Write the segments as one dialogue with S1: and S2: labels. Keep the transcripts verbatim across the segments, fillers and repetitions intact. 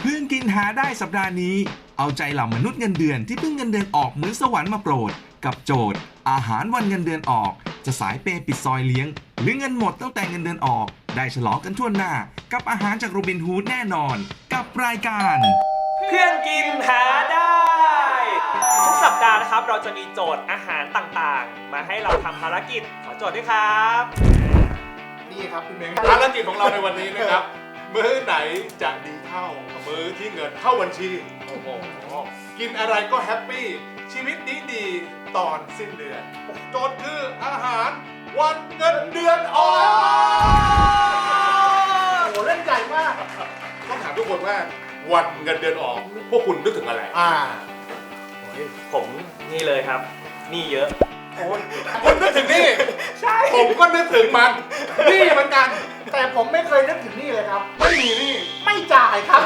S1: เพื่อนกินหาได้สัปดาห์นี้เอาใจเหล่ามนุษย์เงินเดือนที่เพิ่งเงินเดือนออกเหมือนสวรรค์มาโปรดกับโจทย์อาหารวันเงินเดือนออกจะสายเปย์ปิดซอยเลี้ยงหรือเงินหมดตั้งแต่เงินเดือนออกได้ฉลองกันทั่วหน้ากับอาหารจากโรบินฮูดแน่นอนกับรายการ
S2: เพื่อนกินหาได้ทุกสัปดาห์นะครับเราจะมีโจทย์อาหารต่างๆมาให้เราทำภารกิจขอโจทย์ด้วยครับ
S3: นี่ครับพี่เม้ง
S4: ภารกิจของเราในวันนี้นะครับมื้อไหนจะดีเท่ามื้อที่เงินเข้าบัญชีโอ้โหกินอะไรก็แฮปปี้ชีวิตดีดีตอนสิ้นเดือนโจทย์คืออาหารวันเงินเดือนออก
S3: โอ้โหเล่นใหญ่มาก
S4: ต้องถามทุกคนว่าวันเงินเดือนออกพวกคุณนึกถึงอะไร
S3: อ่า
S2: ผมนี่เลยครับนี่เยอะ
S4: คุณนึกถึงนี่ใช่ผมก็นึกถึงมันนี่เหมือนกัน
S3: แต่ผมไม่เคยนึกถึงนี่เลยครับไม่มีนี่ไม่จ่ายครับ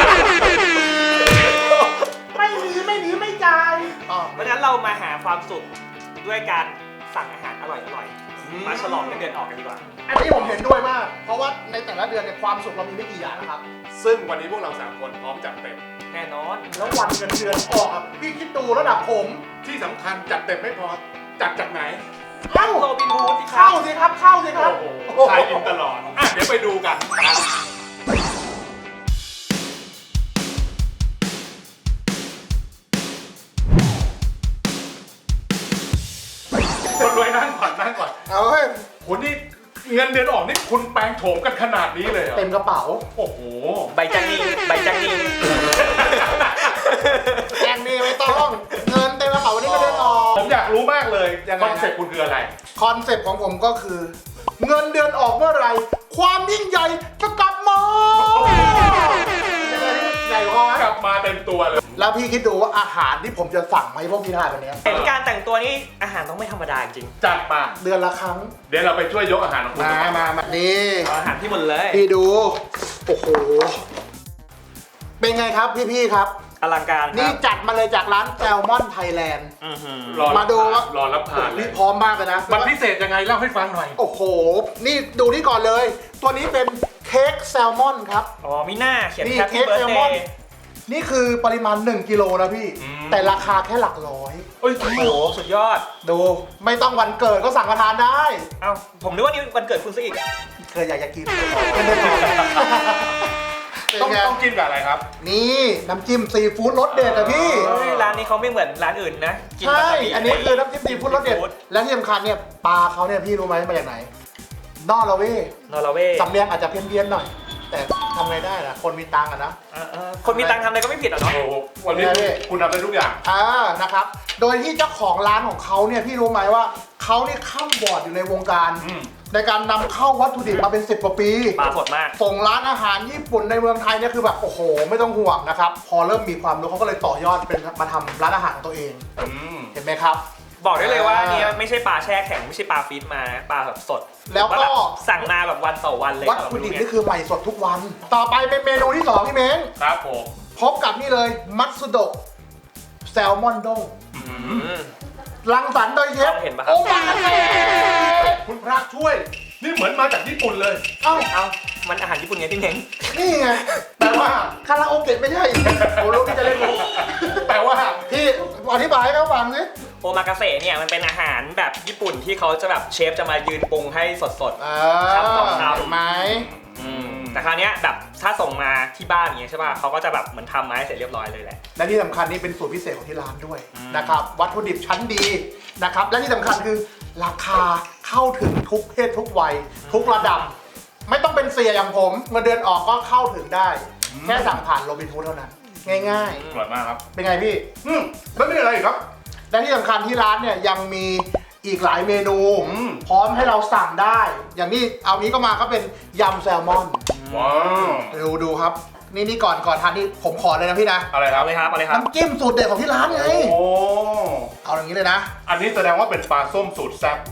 S3: ไม่มีไม่มีไม่จ่าย
S2: เพราะฉะนั้นเรามาหาความสุขด้วยการสั่งอาหารอร่อยๆมาฉลองเงินเดือนออกกันดีกว่า
S3: อันนี้ผมเห็นด้วยมากเพราะว่าในแต่ละเดือนเนี่ยความสุขเรามีไม่กี่อย่างนะครับ
S4: ซึ่งวันนี้พวกเราสามคนพร้อมจัดเต็ม
S2: แน่นอน
S3: แล้ววันเงินเดือนออกอ่ะพี่คิดดูระดับผม
S4: ที่สำคัญจัดเต็มไม่พอจัดจากไหน
S3: เข้า
S2: โรบินฮูด
S3: เข้าสิครับเข้าสิครับ
S4: โอ้โหใช้อินตลอดอ่ะเดี๋ยวไปดูกันคนรวยนั่งก่อนนั่งก่อน
S3: เอาเฮ้ย
S4: คนนี่เงินเดือนออกนี่คุณแปลงโฉมกันขนาดนี้เลยเหรอ
S3: เต็มกระเป๋า
S4: โอ้โห
S2: ใบจังนีใบจังนี
S3: แอนนี่ไม่ต้องเงินเต็มกระเป๋าวันนี้ก็เดินออก
S4: ผมอยากรู้มากเลยคอนเซ็ปต์คุณคืออะไร
S3: คอนเซ็ปต์ของผมก็คือเงินเดือนออกเมื่อไหร่ความยิ่งใหญ่จะกลับมาใหญ่พอก
S4: ลับมาเต็มตัวเลย
S3: แล้วพี่คิดดูว่าอาหารที่ผมจะสั่งมาให้พวกพี่ทานวันนี้
S2: เห็นการแต่งตัวนี้อาหารต้องไม่ธรรมดาจริง
S4: จัดมา
S3: เดือนละครั้ง
S4: เดี๋ยวเราไปช่วยยกอาหารของคุณ
S3: มามามานี่
S2: อาหารที่หมดเลย
S3: พี่ดูโอ้โหเป็นไงครับพี่ๆครับ
S2: อลังการ
S3: นี่จัดมาเลยจากร้านแซลมอนไทยแลนด์มาดูว่
S4: ารอรับทาน
S3: นี่พร้อมมากเลยนะ
S4: มันพิเศษยังไงเล่าให้ฟังหน่อย
S3: โอ้โหนี่ดูนี่ก่อนเลยตัวนี้เป็นเค้กแซลมอนครับ
S2: อ๋อมีหน้าเขียน
S3: แฮปปี้เบิร์ธเดย์นี่คือปริมาณหนึ่งกิโลนะพี่แต่ราคาแค่หลักร้อย
S2: โอ้โหสุดยอด
S3: ดูไม่ต้องวันเกิดก็สั่งมาทานได้
S2: เอ้าผมนึกว่านี่วันเกิดคุณซะอีก
S3: เคยอยากจะกิน
S4: ต้องต้องกินกับอะไรครับ
S3: นี่น้ำจิ้มซีฟู้ดรสเด็ดอะพี่
S2: ร้านนี้เขาไม่เหมือนร้านอื่นนะ
S3: ใช่อันนี้คือน้ำจิ้มซีฟู้ดรสเด็ดและที่สำคัญเนี่ยปลาเขาเนี่ยพี่รู้ไหมมาจากไหนนอร์เวย์
S2: นอร์เวย์
S3: สำเนียงอาจจะเพี้ยนๆหน่อยแต่ทำไงได้ล่ะคนมีตังค์อะนะ
S2: คนมีตังค์ทำอะไรก็ไม่ผิดหรอกเนาะ
S4: วันนี้คุณทำได้ทุกอย่าง
S3: อ่านะครับโดยที่เจ้าของร้านของเขาเนี่ยพี่รู้ไหมว่าเขาเนี่ยข้ามบอร์ดอยู่ในวงการในการนำเข้าวัตถุดิบมาเป็นสิบกว่าปี
S2: ปลาสดมาก
S3: ส่งร้านอาหารญี่ปุ่นในเมืองไทยเนี่ยคือแบบโอ้โหไม่ต้องห่วงนะครับพอเริ่มมีความรู้เขาก็เลยต่อยอดเป็นมาทำร้านอาหารของตัวเองเห็นไหมครับ
S2: บอกได้เลยว่านี่ไม่ใช่ปลาแช่แข็งไม่ใช่ปลาฟีดมาปลาแบบสด
S3: แล้วก็
S2: สั่งมาแบบวันต่อวันเลย
S3: วัตถุดิบนี่คือใหม่สดทุกวันต่อไปเป็นเมนูที่สองพี่เม้ง
S4: ครับผม
S3: พบกับนี่เลยมัตสึโดะแซลมอนด้งรังสรรค์โดยเชฟโอมากาเสะ
S4: คุณพระช่วยนี่เหมือนมาจากญี่ปุ่นเลย
S3: เอ้า
S2: เอ้ามันอาหารญี่ปุ่นไงพี่เม้ง
S3: นี่ไงแต่ว่าคาราโอเกะไม่ใช่โอ้ลูกที่จะเล่นมุกแต่ว่าพี่อธิบายให้เขาฟังสิ
S2: โอมากาเสะเนี่ยมันเป็นอาหารแบบญี่ปุ่นที่เขาจะแบบเชฟจะมายืนปรุงให้สด
S3: ๆทำต่อทำไหม
S2: แต่คราวนี้แบบถ้าส่งมาที่บ้านอย่างเงี้ยใช่ป่ะเขาก็จะแบบเหมือนทำมาให้เสร็จเรียบร้อยเลยแหละ
S3: และที่สำคัญนี่เป็นสูตรพิเศษของที่ร้านด้วยนะครับวัตถุดิบชั้นดีนะครับและที่สำคัญคือราคาเข้าถึงทุกเพศทุกวัยทุกระดับไม่ต้องเป็นเสียอย่างผมเงินเดือนออกก็เข้าถึงได้แค่สั่งผ่านโรบินฮูดเท่านั้นง่าย
S4: ๆอร่อยมากครับ
S3: เป็นไงพี่
S4: อืมแล้วมีอะไรอีกครับ
S3: และที่สำคัญที่ร้านเนี่ยยังมีอีกหลายเมนูพร้อมให้เราสั่งได้อย่างนี้เอานี้ก็มาก็เป็นยำแซลมอน
S4: ว้าว
S3: ดูดูครับนี่นี่ก่อนก่อนทานนี่ผมขอเลยนะพี่นะ
S4: อะไรครับ
S2: อะไรครับอะไรครับ
S3: น้ำจิ้มสูตรเด็ดของที่ร้านไง
S4: โอ้
S3: เอาอย่างนี้เลยนะ
S4: อันนี้แสดงว่าเป็นปลาส้มสูตรแซ่บ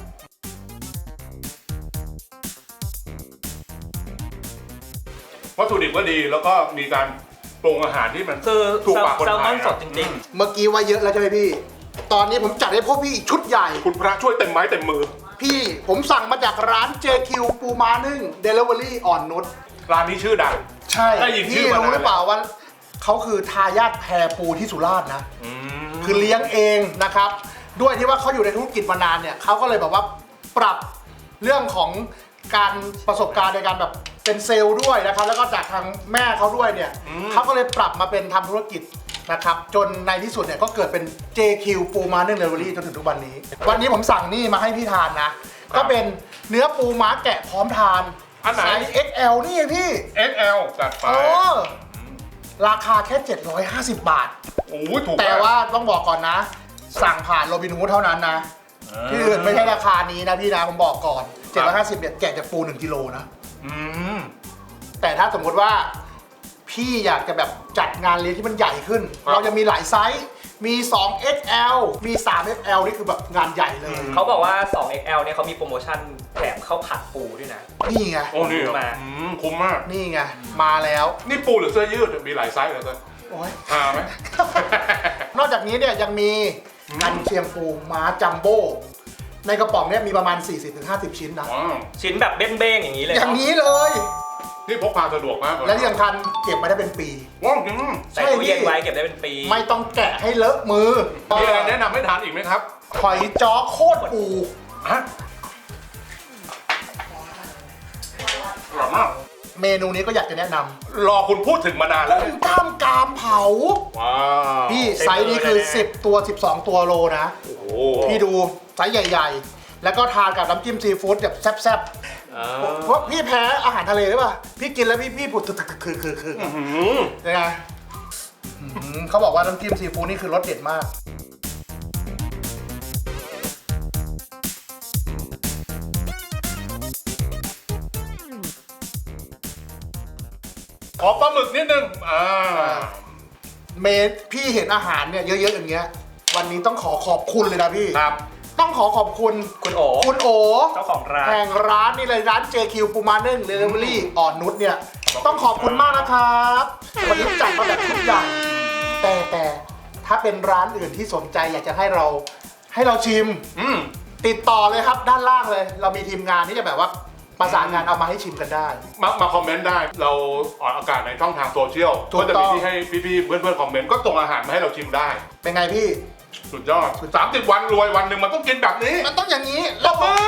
S4: วัตถุดิบก็ดีแล้วก็มีการปรุงอาหารที่มัน
S2: คือ
S4: ถูกปากคนไทย
S2: แซลมอนสดจริง
S3: ๆเมื่อกี้ว่าเยอะแล้วใช่ไหมพี่ตอนนี้ผมจัดให้พวกพี่อีกชุดใหญ่
S4: คุณพระช่วยเต็มไม้เต็มมือ
S3: พี่ผมสั่งมาจากร้าน เจ คิว ปูม้านึ่ง Delivery อ่อนนุช
S4: ร้านนี้ชื่อดัง
S3: ใช่พี่รู้หรือเปล่าว่าเขาคือทายาทแพปูที่สุราษฎร์นะ
S4: อืม
S3: คือเลี้ยงเองนะครับ ด้วยที่ว่าเขาอยู่ในธุรกิจมานานเนี่ยเขาก็เลยแบบว่าปรับเรื่องของการประสบการณ์ในการแบบเป็นเซลล์ด้วยนะครับ แล้วก็จากทางแม่เขาด้วยเนี่ยเขาก็เลยปรับมาเป็นทำธุรกิจนะครับ จนในที่สุดเนี่ยก็เกิดเป็น เจ คิว ปูม้านึ่งเดลิเวอรี่จนถึงทุกวันนี้ วันนี้ผมสั่งนี่มาให้พี่ทานนะ ก็เป็นเนื้อปูม้าแกะพร้อมทาน
S4: อันไหน
S3: ไซส์ เอ็กซ์ แอล นี่ไงพี่
S4: เอ็กซ์ แอล จัดไป
S3: เออราคาแค่เจ็ดร้อยห้าสิบบาท
S4: โอ้ยถูกมก
S3: แต่ว่าต้องบอกก่อนนะ สั่งผ่านโรบินฮูดเท่านั้นนะที่อื่นไม่ใช่ราคานี้นะพี่นะผมบอกก่อนเจ็ดร้อยห้าสิบเนี่ยแกะจากปูหนึ่งกิโลนะ
S4: อืม
S3: แต่ถ้าสมมติว่าพี่อยากจะแบบจัดงานเลี้ยงที่มันใหญ่ขึ้น เราจะมีหลายไซส์ มี สอง เอ็กซ์ แอล มี สาม เอ็กซ์ แอล นี่คือแบบงานใหญ่เลย
S2: เขาบอกว่า สอง เอ็กซ์ แอล เนี่ยเขามีโปรโมชั่นแถมข้าวผัดปูด้วยนะ
S3: นี่ไง
S4: โอ้นี่เหรอ
S2: มา
S4: อืมคุ้มมาก
S3: นี่ไง มาแล้ว
S4: นี่ปูหรือเสื้อยืดมีหลายไซส์เหรอเต้ย
S3: โอ้ย
S4: หาไหม
S3: นอกจากนี้เนี่ยยังมีกันเชียงปูม้าจัมโบ้ในกระป๋องเนี่ยมีประมาณ สี่สิบถึงห้าสิบ ชิ้นนะ
S4: ว้าว
S2: ชิ้นแบบเบ้งๆอย่างนี้เลย
S3: อย่าง
S2: เนาะ
S3: นี้เลย
S4: นี่พกพาสะดวกมากเลย
S3: และที่สำคัญเก็บมาได้เป็นปี
S4: ว้าวจริง
S2: ใส่ตู้เย็นไว้เก็บได้เป็นปี
S3: ไม่ต้องแกะให้เลอะมือ
S4: มีอะไรแนะนำให้ทานอีกไหมครับ
S3: หอยจ้อโคตรปู
S4: ฮะอร่อยมาก
S3: เมนูนี้ก็อยากจะแนะน
S4: รอคุณพูดถึงมานาน
S3: ำ
S4: แล้ว
S3: กุ้งกล้ามกรามเผา
S4: ว้าว
S3: พี่ไซส์นี้คือ สิบ ตัว สิบสอง ตัวโลนะ
S4: โอ้โห
S3: พี่ดูไซส์ใหญ่ๆ แล้วก็ทานกับน้ำจิ้มซีฟู้ดแบบแซ่บ
S4: อ่า
S3: ๆเพราะพี่แพ้อาหารทะเลหรือเปล่า พี่กินแล้วพี่พี่ผุดคือคือคือคือ
S4: อื้อหือ
S3: ยังไงอื้อหือเขาบอกว่าน้ำจิ้มซีฟู้ดนี่คือรสเด็ดมาก
S4: ขอปลาหมึกนิดนึงอ่า
S3: เมดพี่เห็นอาหารเนี่ยเยอะๆอย่างเงี้ย วันนี้ต้องขอขอบคุณเลยนะพี่
S4: ครับ
S3: ต้องขอขอบคุณ
S2: คุณโอ
S3: คุณโอ
S2: เจ้าของร้าน
S3: แห่งร้านนี่เลยร้าน เจ คิว ปูมานึ่งเดลิเวอรี่อ่อนนุชเนี่ย ต้องขอบคุณมากนะครับวันนี้จัดมาแบบทุกอย่างแต่แต่ถ้าเป็นร้านอื่นที่สนใจอยากจะให้เราให้เราชิม
S4: อืม
S3: ติดต่อเลยครับด้านล่างเลย เรามีทีมงานที่จะแบบว่าประสานงานเอามาให้ชิมกันได้
S4: มามาคอมเมนต์ได้ เราออกอากาศในช่องทางโซเชียล
S3: ถูก
S4: ก็จะ
S3: ต้
S4: มี
S3: อง
S4: ที่ให้พี่ๆเพื่อนๆคอมเมนต์ก็ส่งอาหารมาให้เราชิมได้
S3: เป็นไงพี่
S4: สุดยอดสามสิบวันรวยวันหนึ่งมันต้องกินแบบนี้
S3: มันต้องอย่างนี้
S4: ตบมือ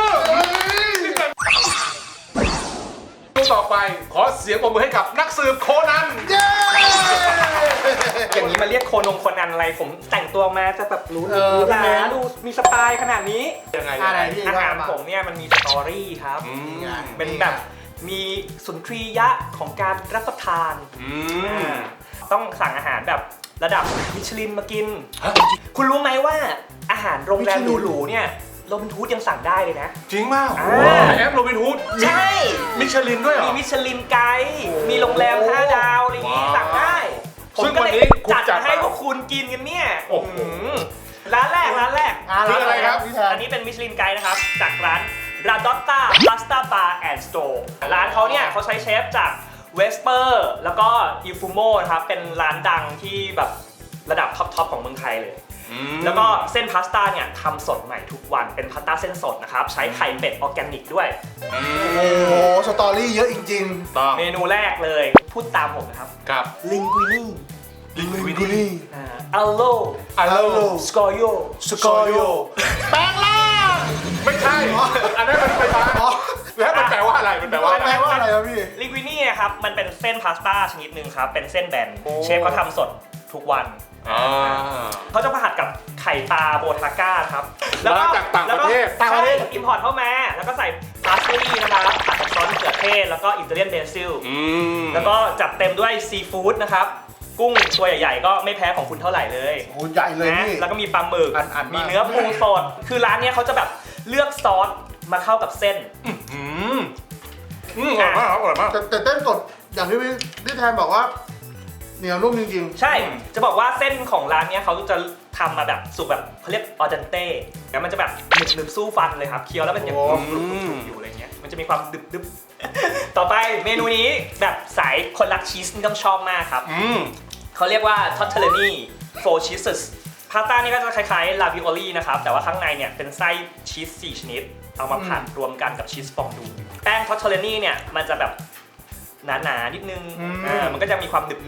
S4: ดูต่อไปขอเสียงปรบมือให้กับนักสืบโคนัน
S3: เย้
S2: อย่างนี้มาเรียกโคนงโคนันอะไรผมแต่งตัวมาจะแบบรู้
S3: เออ
S2: รู้
S3: พี่
S2: ห
S3: แม
S2: ราน ดูมีสไตล์ขนาดนี้
S4: ยังไง
S3: อะไร
S4: ยังไง
S3: พี่
S2: อาหาร
S3: ว่ามา
S2: ผมเนี่ยมันมีสตอรี่ครับ
S4: อืม
S2: เป็นแบบมีสุนทรียะของการรับประทาน
S4: อืม
S2: ต้องสั่งอาหารแบบระดับมิชลินมากิน
S4: ฮะ
S2: คุณรู้ไหมว่าอาหารโรงแรม
S3: มิชลิน
S2: หรูๆเนี่ยโรบินฮูดยังสั่งได้เลยนะ
S4: จริงมาก
S2: อ่า
S4: แอปโรบินฮูด
S2: ใช่
S4: มิชลินด้วยเหร
S2: มี
S4: อ
S2: มิชลินไกด์มีโรงแรมห้าดาวอะไรอย่างงี้
S4: ว้าว
S2: สั่งได้ ผม
S4: ซึ่ง
S2: ก็
S4: วัน
S2: เลย
S4: นี้คุณ
S2: จัด
S4: จัด
S2: ให้
S4: มา
S2: พวกคุณกินกันเนี่ย
S4: โอ้โห
S2: มร้านแรกร้านแรก
S3: อ่า
S4: คืออะไรครับ
S3: พี่แทน
S2: อันนี้เป็นมิชลินไกด์นะครับ จากร้าน Radotta Pasta Bar and Store ร้านเขาเนี่ยเขาใช้เชฟจากเวสเปอร์แล้วก็อิฟูโมนะครับ เป็นร้านดังที่แบบระดับท็อปๆของเมืองไทยเลย
S4: อืม
S2: แล้วก็เส้นพาสต้าเนี่ยทำสดใหม่ทุกวันเป็นพาสต้าเส้นสดนะครับ ใช้ไข่เป็ดออร์แกนิกด้วย
S4: อืม
S3: โอ้โหสตอรี่เยอะจริง
S4: ต้อง
S2: เมนูแรกเลย พูดตามผมนะครับ
S4: ครับ
S2: ลิงกุินี
S3: ๆลิงกุลี่
S2: อัลโล
S4: อัลโล
S2: สกอโย
S3: สกอโยแปลงล่าง
S4: ไม่ใช่ อันนั้นมันไฟฟ้า
S3: อ๋อ
S4: แล้วมันแปลว่าอะไร มันแปลว่าอะไร
S3: แปลว่าอะไรครับพี่
S2: ลิงกุินีนะครับมันเป็นเส้นพาสต้าชนิดหนึ่งครับ เป็นเส้นแบนเชฟเขาทำสดทุกวัน
S4: อ่า
S2: เขาจะมาผัดกับไข่ปลาโบทาก้าครับ
S4: มาจากต่างประเทศ
S2: แล้วก็ใช่อิมพอร์ตเข้ามา แล้วก็ใส่พาสลีย์นะครับผัดกับซอสมะเขือเทศแล้วก็อิตาเลียนเบซิล
S4: อืม
S2: แล้วก็จัดเต็มด้วยซีฟู้ดนะครับ กุ้งตัวใหญ่ๆ ก็ไม่แพ้ของคุณเท่าไหร่เลย
S3: โอ้ใหญ่เลย
S2: นะ
S3: พี่
S2: แล้วก็มีปลาหมึก
S3: อันอันมาก
S2: มีเนื้อปูสด คือร้านเนี้ยเขาจะแบบเลือกซอสมาเข้ากับเส้น
S4: อืมอืมอร่อยมากครับอร่อยมาก
S3: แต่แต่เต้นสดอย่างที่พี่พี่แทนบอกว่าเหนียวนุ่มจริง
S2: ใช่ จะบอกว่าเส้นของร้านเนี้ยเขาจะทำมาแบบสุกแบบเขาเรียกออเดนเต้แล้วมันจะแบบหนึบหนึบๆสู้ฟันเลยครับ เคี้ยวแล้วมันยัง
S3: โอ้
S2: กรุบๆๆอยู่อะไรเงี้ย มันจะมีความดึบดึบๆ ต่อไปเมนูนี้แบบสายคนรักชีสนี่ต้องชอบมากครับ
S4: อืม
S2: เขาเรียกว่า tortellini four cheeses พาสต้านี่ก็จะคล้ายๆ ravioli นะครับ แต่ว่าข้างในเนี่ยเป็นไส้ชีสสี่ชนิด เอามาผัดรวมกันกับชีสฟองดู แป้ง tortellini เนี่ยมันจะแบบหนาๆนิดนึง
S3: อืม
S2: อ่ามันก็จะมีความหนึบ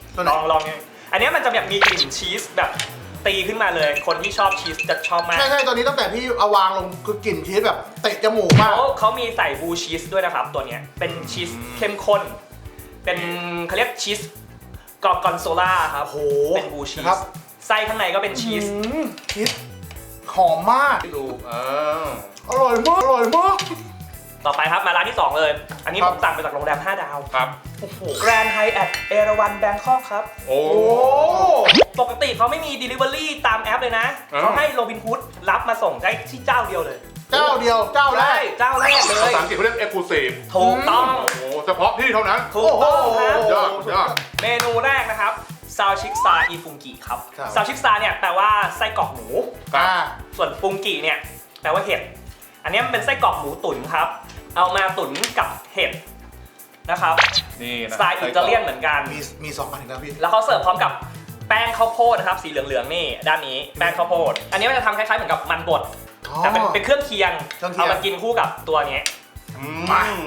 S3: ตัวไหน
S2: ลองลองเนี่ยอันเนี้ยมันจะแบบมีกลิ่นชีสแบบตีขึ้นมาเลย คนที่ชอบชีสจะชอบมาก
S3: ใช่ใช่ตัวนี้ตั้งแต่พี่เอาวางลงคือกลิ่นชีสแบบเตะจมูกมาก
S2: เขาเขามีใส่บลูชีสด้วยนะครับ ตัวเนี้ยเป็นชีสเข้มข้น เป็นเขาเรียกชีสกอร์กอนโซล่าครับ
S3: โอ้โห
S2: เป็นบลูชีส
S3: ครับ
S2: ไส้ข้างในก็เป็นชีส
S3: อืมชีสหอมมาก
S4: ดูเออ
S3: อร่อยมากอร่อยมาก
S2: ต่อไปครับมาร้านที่ สอง เลย อันนี้
S3: ครั
S2: ผ
S3: บ
S2: มสั่งมาจากโรงแรมห้าดาว
S4: ครับ
S2: โอ้โหแกรนด์ไฮแอทเอราวันแบงคอกครับ
S4: โอ้
S3: โอ้
S2: ปกติเขาไม่มี Delivery ตามแอปเลยนะ
S4: อ่า
S2: เขาให้โรบินฮูดรับมาส่งได้ที่เจ้าเดียวเลย
S3: เจ้าเดียวเจ้าแร
S2: ใช่
S3: ก
S2: เจ้าแรกเล
S4: ภาย ษาอังกฤษเขาเรียก exclusive
S2: ถูกต้อง
S4: โอ้โหเฉพาะที่เท่านั้น
S2: ถูกต้องครับ
S3: โอ้โห
S4: ยอดยอด
S2: เมนูแรกนะครับซาวชิกซาอีฟุงกิครับ
S3: ครับ
S2: ซาวชิกซาเนี่ยแปลว่าไส้กรอกหมู
S4: ครับ
S3: อ่า
S2: ส่วนฟุงกิเนี่ยแปลว่าเห็ด อันนี้มันเป็นไส้กรอกหมูตุ๋นครับ เอามาตุ๋นกับเห็ดนะครับ
S4: นี่นะ
S2: สไตล์อิตาเลียนเหมือนกัน
S3: มีมีสองอันอีกแล้วพี่
S2: แล้วเขาเสิร์ฟพร้อมกับแป้งข้าวโพดนะครับสีเหลืองๆนี่ด้านนี้แป้งข้าวโพด อันนี้มันจะทำคล้ายๆเหมือนกับมันบด
S3: อ๋อ
S2: แต่เป็นเป็นเครื่องเคียง
S3: เครื่องเคียง
S2: เอามากินคู่กับตัวนี้
S4: อืม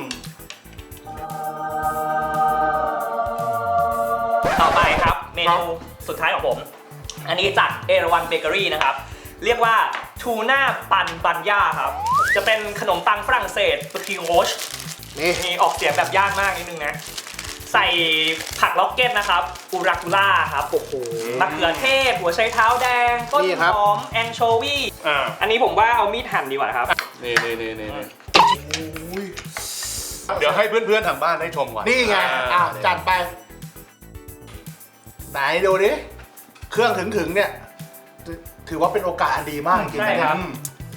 S2: ต่อไปครับเมนูสุดท้ายของผม อันนี้จากเอราวันเบเกอรี่นะครับ เรียกว่าทูน่าปันบันย่าครับ จะเป็นขนมปังฝรั่งเศสบริโอช
S3: นี่
S2: มีออกเสียงแบบยากมากนิดนึงนะ ใส่ผักล็อกเก็ตนะครับอูรากูล่าครับโอ้โหมะเขือเทศ หัวไชเท้าแดง ต้น
S3: นี่ครับ
S2: หอม แองโชวี
S4: อ่า
S2: อันนี้ผมว่าเอามีดหั่นดีกว่าครับ
S4: นี่นี่นี่นี่นี่
S3: โอ้ย
S4: เดี๋ยวให้เพื่อนๆทางบ้านได้ชมก่อน
S3: นี่ไงอ่ะจัดไป ไหนดูดิ เครื่องถึงถึงๆเนี่ย ถือว่าเป็นโอกาสอันดีมากจริงๆ
S2: ใช่
S3: นะ
S2: ค
S3: ค
S2: รั
S3: รับ บ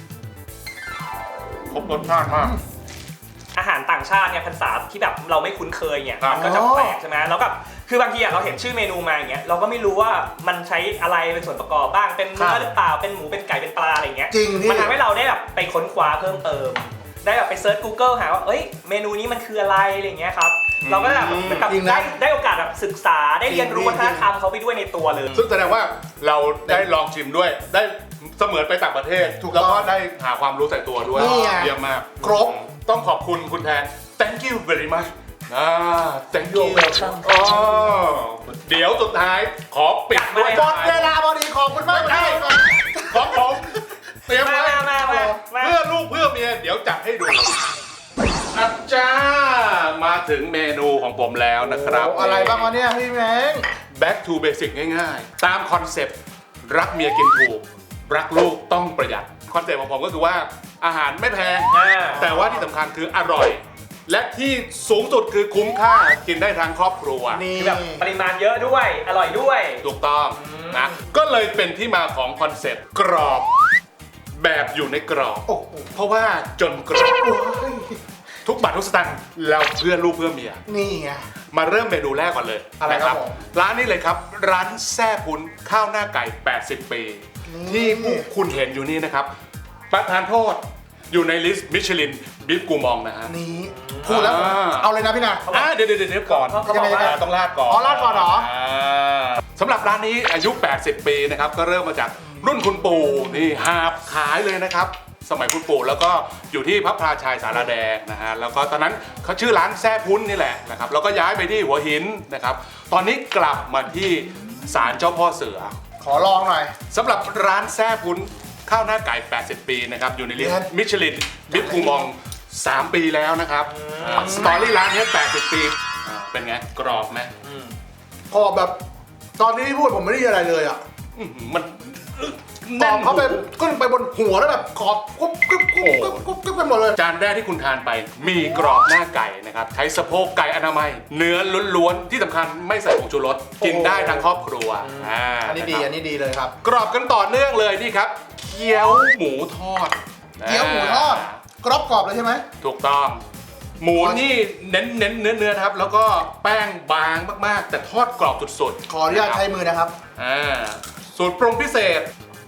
S4: ครบรสชาติมาก
S2: อาหารต่างชาติเนี่ยภาษาที่แบบเราไม่คุ้นเคยเนี่ย
S4: ครับ
S2: มันก็จะแปลกใช่ไหมแล้วแบบคือบางทีอะเราเห็นชื่อเมนูมาอย่างเงี้ยเราก็ไม่รู้ว่ามันใช้อะไรเป็นส่วนประกอบบ้างเป็นเนื้
S3: ครั
S2: อบ หรือเปล่าเป็นหมูเป็นไก่เป็นปลาอะไรเงี้ย
S3: จริงพี่
S2: มันทำให้เราได้แบบไปค้นคว้าเพิ่มเติม ได้แบบไปเซิร์ช Google หาว่าเอ้ยเมนูนี้มันคืออะไรอะไรเงี้ยครับเราก็แบบเหมือนกับ
S3: จริงนะ
S2: ได้ได้โอกาสแบบศึกษาได้เรียนรู้
S3: จริ
S2: วั
S3: ง
S2: ฒนธรรมเขาไปด้วยในตัวเลย
S4: ซึ่งแสดงว่าเราได้ลองชิมด้วย ได้เสมือนไปต่างประเทศ
S3: ถูกต้อง
S4: แล้วก็ได้หาความรู้ใส่ตัวด้วย
S3: นี่ไง
S4: เยี่ยมมาก
S3: ครบ
S4: ต้องขอบคุณคุณแทน thank you very much อ่า thank you
S3: You're welcome
S4: อ๋อเดี๋ยวสุดท้ายขอปิดด้วย
S3: หมดเวลาพอดีขอบคุณมากครับ
S4: ของผมเตรียม
S2: มา
S4: ไว้
S2: มามามามา
S4: เพื่อลูกเพื่อเมียเดี๋ยวจัดให้ดูอาจารย์มาถึงเมนูของผมแล้วนะครับ
S3: โอ้อะไรบ้างวะเนี่ยพี่แมง
S4: back to basic ง่ายๆ ตามคอนเซปต์รักเมียกินถูก รักลูกต้องประหยัด คอนเซปต์ของผมก็คือว่าอาหารไม่แพง
S2: อ่า
S4: แต่ว่าที่สำคัญคืออร่อย และที่สูงสุดคือคุ้มค่ากินได้ทั้งครอบครัว
S3: นี่
S2: คือแบบปริมาณเยอะด้วยอร่อยด้วย
S4: ถูกต้องนะก็เลยเป็นที่มาของคอนเซปต์กรอบแบบอยู่ในกรอบ
S3: โอ้โห
S4: เพราะว่าจนกรอบ ทุกบาททุกสตางค์เราเพื่อลูกเพื่อเมีย
S3: นี่ไง
S4: มาเริ่มเมนูแรกก่อนเลย
S3: อะไร
S4: นะครับ
S3: ผม
S4: ร้านนี้เลยครับ ร้านแซ่พุ้นข้าวหน้าไก่ แปดสิบ ปี
S3: นี่
S4: ที่พวกคุณเห็นอยู่นี่นะครับ ประธานโทษอยู่ในลิสต์มิชลินบิฟกูมองนะฮะ
S3: นี่พูดแล้ว
S4: อ่า
S3: เอาเลยนะพี่นะ
S4: อ่าเดี๋ยวเดี๋ยวเดี๋ยวก่อน
S2: เขาเขาบอกว่า
S4: อ่าต้องลาดก่อน
S3: อ๋อราดก่อนเหรอ
S4: าสำหรับร้านนี้อายุ แปดสิบ ปีนะครับ ก็เริ่มมาจากรุ่นคุณปู่นี่หาบขายเลยนะครับ สมัยคุณปู่แล้วก็อยู่ที่พระพลาชัยสารแดงนะฮะแล้วก็ตอนนั้นเขาชื่อร้านแซ่พุ้นนี่แหละนะครับแล้วก็ย้ายไปที่หัวหินนะครับตอนนี้กลับมาที่ศาลเจ้าพ่อเสือ
S3: ขอลองหน่อย
S4: สำหรับร้านแซ่พุ้นข้าวหน้าไก่ แปดสิบ ปีนะครับอยู่ในลิส
S3: เดือน
S4: ต์มิชลินบิ๊กคูมอง สาม ปีแล้วนะครับอ่าสตอรี่ร้านนี้แปดสิบ ปีอ่าเป็นไงกรอบไหม
S3: พอแบบตอนนี้ที่พูดผมไม่ได้ยินอะไรเลยอ่ะ
S4: อื้อหือมัน
S3: ตอบเข้าไปขึ้นไปบนหัวแล้วแบบขอบกุ๊บกุ๊บกุ๊บกุ๊บกุ๊บกุ๊บไปหมดเลย
S4: จานแรกที่คุณทานไปมีกรอบหน้าไก่นะครับใช้สะโพกไก่อนามัย เนื้อล้วนๆที่สำคัญไม่ใส่ผงชูรสกินได้ทั้งครอบครัวอ่า
S3: อันนี้ดี
S4: ะครับ
S3: อันนี้ดีเลยครับ
S4: กรอบกันต่อเนื่องเลยนี่ครับเกี๊ยวหมูทอด
S3: เกี๊ยวหมูทอด กรอบกรอบเลยใช่ไหม
S4: ถูกต้อง หมูนี่เน้นเน้นเนื้อเนื้อนะครับ แล้วก็แป้งบางมากๆ แต่ทอดกรอบสุดๆ
S3: ขออนุญาตใช้มือนะครับ
S4: อ่าสูตรปรุงพิเศษ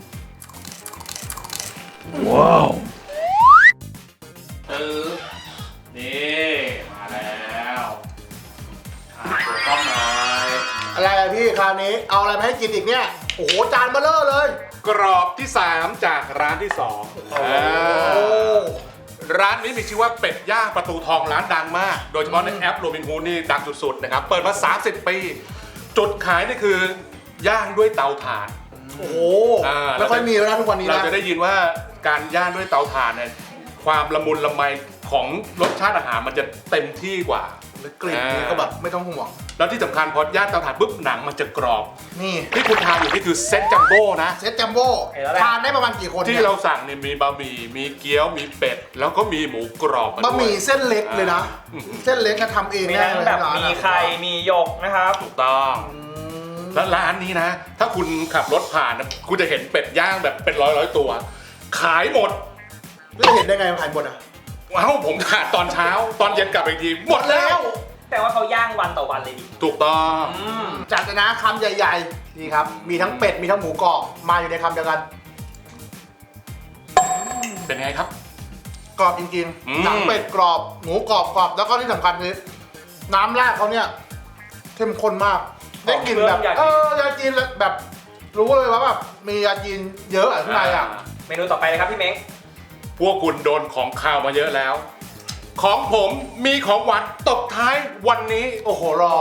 S1: ว้าว
S4: เออนี่มาแล้วอ่าถูกต้องหน่อย
S3: อะไรอะพี่คราวนี้เอาอะไรมาให้กินอีกเนี่ย โอ้โหจานเบลเลอร์เลย
S4: กรอบที่สามจากร้านที่สองอ่า
S3: โอ้
S4: ร้านนี้มีชื่อว่าเป็ดย่างประตูทองร้านดังมาก โดยเฉพาะในแอปโรบินฮูดนี่ดังสุดๆนะครับ เปิดมา สามสิบ ปีจุดขายนี่คือย่างด้วยเตาถ่าน
S3: โอ้โห
S4: อ่า
S3: ไม่ค่อยมีแล้วนะทุกวันนี้
S4: เรา
S3: นะ
S4: จะได้ยินว่าการย่างด้วยเตาถ่านเนี่ยความละมุนละไมของรสชาติอาหารมันจะเต็มที่กว่า
S3: กลิ่นนี่ก็แบบไม่ต้องห่วง
S4: แล้วที่สำคัญพอย่างเตาถ่านปุ๊บหนังมันจะกรอบ
S3: นี่
S4: ที่คุณทานอยู่นี่คือเซตจัมโบ้นะ
S3: เซตจัมโบ้ทานได้ประมาณกี่คน
S4: ที่
S3: เนี่ย
S4: เราสั่งเนี่ยมีบะหมี่มีเกี๊ยวมีเป็ด แล้วก็มีหมูกรอบมาด้วย
S3: บะหมี่เส้นเล็กเลยนะ
S4: อืม
S3: เส้นเล็กก็ทำเอง
S2: มี
S3: แน่
S2: ทั้ง
S3: เลย
S2: แบบ
S3: ร้าน
S2: มี
S3: อะ
S2: ไข่มีหยกนะครับ
S4: ถูกต้อง
S3: อืม
S4: แล้วร้านนี้นะ ถ้าคุณขับรถผ่านนะคุณจะเห็นเป็ดย่างแบบเป็นร้อยร้อยๆตัว ขายหมด
S3: แล้วเห็นได้ไงมันขายหมดอ่ะ
S4: ว้าวผมขาดตอนเช้า ตอนเย็นกลับไปอีกทีหมดแล้ว
S2: แต่ว่าเขาย่างวันต่อวันเลยดิ
S4: ถูกต้อง
S2: อืม
S3: จัดเลยนะคำใหญ่ๆนี่ครับ มีทั้งเป็ดมีทั้งหมูกรอบมาอยู่ในคำเดียวกัน
S4: เป็นไงครับ
S3: กรอบจริง
S4: อืม
S3: ๆหนังเป็ดกรอบหมูกรอบกรอบแล้วก็ที่สำคัญคือน้ำราดเขาเนี่ยเข้มข้นมากได้กลิ่นแบบเออยาจีนแบบรู้เลยว่าแบบมียาจีนเยอะอ่ะข้างในอ่ะ
S2: เมนูต่อไปเลยครับพี่เม้ง
S4: พวกคุณโดนของข้าวมาเยอะแล้ว ของผมมีของหวานตบท้ายวันนี้
S3: โอ้โหรอก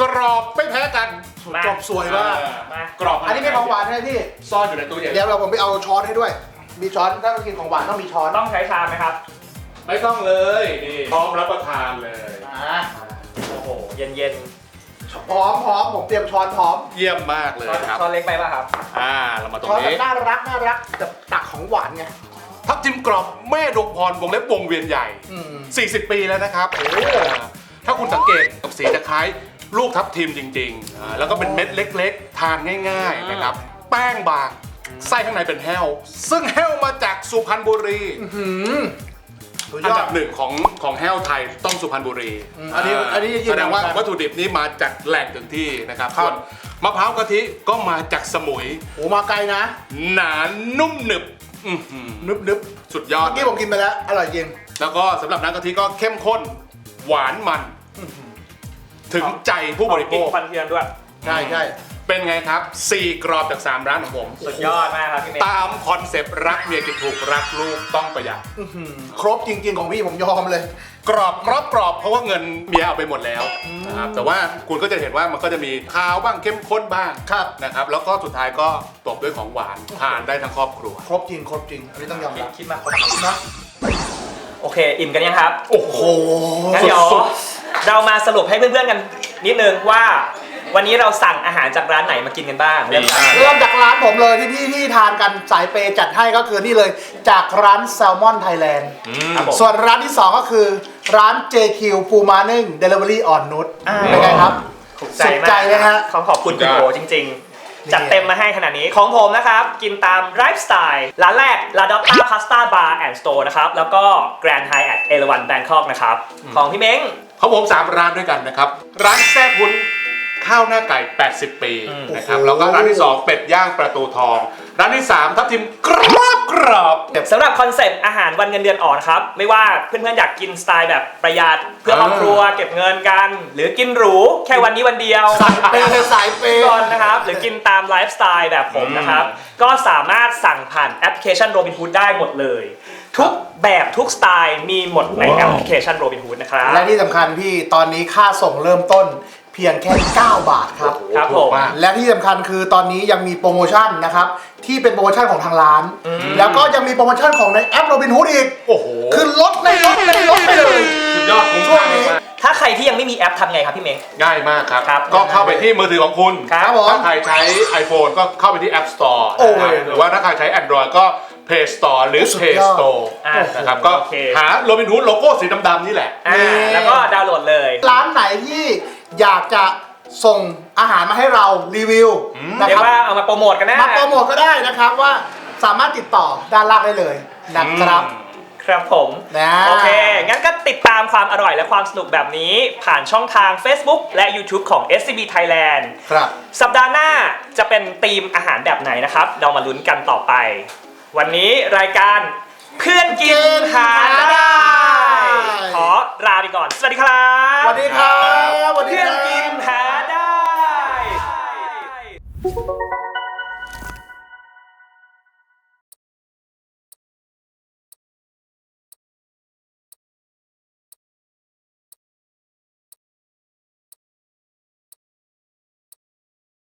S4: รอบไม่แพ้กัน
S3: จบสวยมาก
S2: มา
S4: กรอบ
S3: อันนี้เป็นของหวานใช่ไหมพี่
S4: ซ่อนอยู่ในตู้เย็น
S3: เดี๋ยวเราผมไปเอาช้อนให้ด้วย มีช้อนถ้าเรากินของหวานต้องมีช้อน
S2: ต้องใช้ชามไหมครับ
S4: ไม่ต้องเลยนี่พร้อมรับประทานเลย
S3: อ่า
S2: โอ้โห เย็นเย็น
S3: พร้อมพร้อมผมเตรียมช้อนพร้อม
S4: เยี่ยมมากเลย
S2: ช้อน
S4: ครับ
S2: ช้อนเล็กไปป่ะครับ
S4: อ่าเรามาตรง
S3: ช้อนแบบ
S4: นี้
S3: น่ารักน่ารักแบบตักของหวานไง
S4: ทับทิมกรอบแม่ดวงพรวงเล็บวงเวียนใหญ่
S3: อืม
S4: 40 ปีแล้วนะครับโอ้ถ้าคุณสังเกตสีจะคล้ายลูกทับทิมจริงๆอ่าแล้วก็เป็นเม็ดเล็กๆ ทานง่ายๆนะครับแป้งบางไส้ข้างในเป็นแห้ว ซึ่งแห้วมาจากสุพรรณบุรี
S3: หืมสุด
S4: อั
S3: ย
S4: น
S3: อ
S4: ดั
S3: ด
S4: บหนึ่งของของแห้วไทยต้องสุพรรณบุรี
S3: อืมอันนี้อันนี้ยืนยัน
S4: แสดงว่า
S3: เหมือนกัน
S4: วัตถุดิบนี้มาจากแหล่งถึงที่นะครับ
S3: ครับ
S4: ส่วนมะพร้าวกะทิก็มาจากสมุย
S3: โอ้มาไกลนะ
S4: หนานุ่มหนึบอื้อหือ
S3: นึบนึบ
S4: สุดยอด
S3: เมื่อกี้ผมกินไปแล้ว อร่อยจริง
S4: แล้วก็สำหรับน้ำกะทิก็เข้มข้นหวานมัน ถึงใจผู้บริโภ
S2: กิน
S4: ค
S2: ควันเทียนด้วย
S3: ใช่ใช่
S4: เป็นไงครับสี่กรอบจากสามร้านของผม
S2: สุดยอดมากครับพี่เม้ง
S4: ตามคอนเซปต์รักเมียกินถูกรักลูกต้องประหยัด
S3: อื้อหือครบจริง ๆ ของพี่ผมยอมเลย
S4: กรอบกรอบกรอบเพราะว่าเงินเมียเอาไปหมดแล้วนะครับแต่ว่าคุณก็จะเห็นว่ามันก็จะมีคาวบ้างเข้มข้นบ้าง
S3: ครับ
S4: นะครับแล้วก็สุดท้ายก็ตบด้วยของหวานทานได้ทั้งครอบครัว
S3: ครบจริง ครบจริง อันนี้ต้องยอม
S2: คิด
S3: รับ
S2: คิดมาครบ
S3: นะ
S2: โอเค อิ่มกันยังครับ
S4: โอ้โห
S2: งั้นเดี๋ยว
S4: สุด
S2: เรามาสรุปให้เพื่อนๆกันนิดนึงว่า วันนี้เราสั่งอาหารจากร้านไหนมากินกันบ้างเริ่มจาก
S3: เริ่มจากร้านผมเลยที่พี่ที่ทานกันสายเปย์จัดให้ก็คือนี่เลยจากร้านแซลมอนไทยแลนด์
S2: ครับผม
S3: ส่วนร้านที่ สอง ก็คือร้าน เจ คิว ปูม้านึ่ง Delivery อ่อนนุช
S2: อ่า
S3: เป็นไงครับ
S2: ถูก
S3: สุดใจเลยฮะ
S2: ขอขอบคุณคุณโบจริงๆ จัดเต็มมาให้ขนาดนี้ของผมนะครับ กินตามไลฟ์สไตล์ร้านแรก La Dotta Pasta Bar and Store นะครับ แล้วก็ Grand Hyatt เอราวัณ Bangkok นะครับ ของพี่เม้ง
S4: ของผมสามร้านด้วยกันนะครับ ร้านแซ่พุ้นข้าวหน้าไก่ แปดสิบ ปี
S2: อืม
S4: นะครับ
S3: โอ้โห
S4: แล้วก็ร้านที่สองเป็ดย่างประตูทอง ร้านที่สามทับทิมกรอบกรอบ
S2: สำหรับคอนเซปต์อาหารวันเงินเดือนออกนะครับ ไม่ว่าเพื่อนๆอยากกินสไตล์แบบประหยัดเพื่อครอบครัวเก็บเงินกัน หรือกินหรูแค่วันนี้วันเดียว
S3: สายเปย์สายเปย์
S2: ก่อนนะครับ หรือกินตามไลฟ์สไตล์แบบผมนะครับ ก็สามารถสั่งผ่านแอปพลิเคชัน Robinhood ได้หมดเลย ทุกแบบทุกสไตล์มีหมดในแอปพลิเคชัน Robinhood นะครับ
S3: และที่สำคัญพี่ตอนนี้ค่าส่งเริ่มต้นเพียงแค่ เก้า บาทครับ
S2: ครับผม
S3: และที่สำคัญคือตอนนี้ยังมีโปรโมชั่นนะครับ ที่เป็นโปรโมชั่นของทางร้าน แล้วก็ยังมีโปรโมชั่นของในแอปโรบินฮูดอีก
S4: โอ้โห
S3: คือลดในลดในลดไปเลย
S4: สุดยอดคุ้ม
S3: ช่ว
S4: ค่าง
S3: นี้
S4: มาก
S2: ถ้าใครที่ยังไม่มีแอปทำไงครับพี่เม้ง
S4: ง่ายมากครับ
S2: ครับ
S4: ก็เข้าไปที่มือถือของคุณ
S2: ครับผม
S4: ถ้าใครใช้ iPhone ก็เข้าไปที่ App Store
S3: โอ้
S4: นะครับหรือว่าถ้าใครใช้ Android ก็ Play Store หรือ
S3: สุด
S4: Play
S3: ยอด
S4: Store
S2: อ่า
S4: นะครับก็
S2: โอเค
S4: หาโรบินฮูดโลโก้สีดำๆนี่แหละ
S2: อ่าแล้วก็ดาวน์โหลดเลย
S3: ร้านไหนที่อยากจะส่งอาหารมาให้เรารีวิวนะ
S2: เรีย
S3: ค
S2: ก
S3: รับ
S2: ว่าเอามาโปรโมทกันนะ
S3: มาโปรโมทก็ได้นะครับว่าสามารถติดต่อด้านล่างได้เลยนะครับ
S2: ครับผม
S3: นะ
S2: โอเค งั้นก็ติดตามความอร่อยและความสนุกแบบนี้ ผ่านช่องทาง Facebook และ YouTube ของ เอส ซี บี Thailand
S3: ครับ
S2: สัปดาห์หน้าจะเป็นธีมอาหารแบบไหนนะครับ เรามาลุ้นกันต่อไป วันนี้รายการเพื่อนกินหาได้ ขอลาไปก่อน สวัสดีครับ
S3: สวัสดีครับสวัสดี
S2: เพื่อน
S3: ครับ
S2: กินหาได้